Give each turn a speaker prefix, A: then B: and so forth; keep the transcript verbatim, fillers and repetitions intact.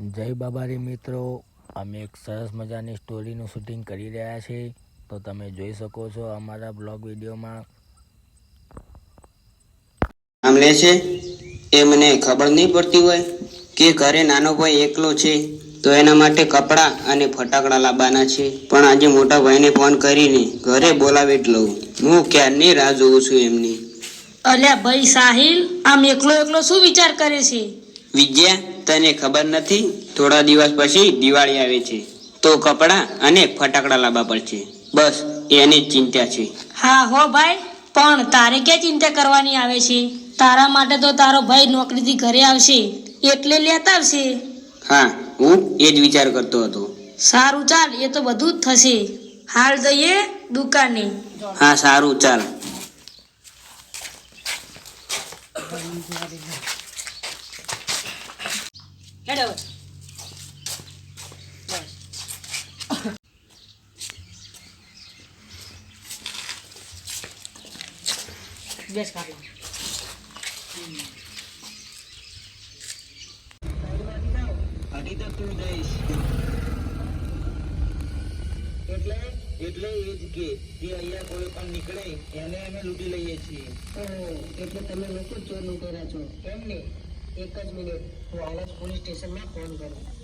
A: જય બાબારી મિત્રો, અમે એક સરસ મજાની સ્ટોરીનું શૂટિંગ કરી રહ્યા છીએ, તો તમે જોઈ શકો છો અમારા બ્લોગ વિડીયોમાં.
B: આમ લે છે એ મને ખબર નહીં પડતી હોય કે ઘરે નાનો ભાઈ એકલો છે તો એના માટે કપડાં અને ફટાકડા લાવવાના છે. પણ આજે મોટા ભાઈને ફોન કરીને ઘરે બોલાવી જ લઉં. હું ક્યારની રાહ જોઉં છું એમની.
C: અલ્યા ભાઈ સાહિલ, આમ એકલો એકલો શું વિચાર કરે છે?
B: વિજયા, તને ખબર નથી? થોડા દિવસ પછી દિવાળી આવે છે તો કપડાં અને ફટાકડા લાવવા પડશે. બસ એની જ ચિંતા છે.
C: હા હો ભાઈ, પણ તારે ક્યાં ચિંતા કરવાની આવે છે? તારા માટે તો તારો ભાઈ નોકરીથી ઘરે આવશે એટલે લેતા આવશે.
B: હા, હું એ જ વિચાર કરતો હતો.
C: સારું ચાલ, એ તો બધું જ થશે. હાલ જઈએ દુકાને.
B: હા સારું ચાલ.
C: હેડો. બેસ કાઢો.
B: હજી તો તું જઈશ એટલે એટલે એ જ કે જે અહીંયા કોઈ પણ નીકળે એને અમે લૂંટી લઈએ છીએ.
D: એટલે તમે લોકો ચોર લૂંટેરા છો એમ ને? એક જ મિનિટ, હું હાલ જ પોલીસ સ્ટેશનમાં ફોન કરું.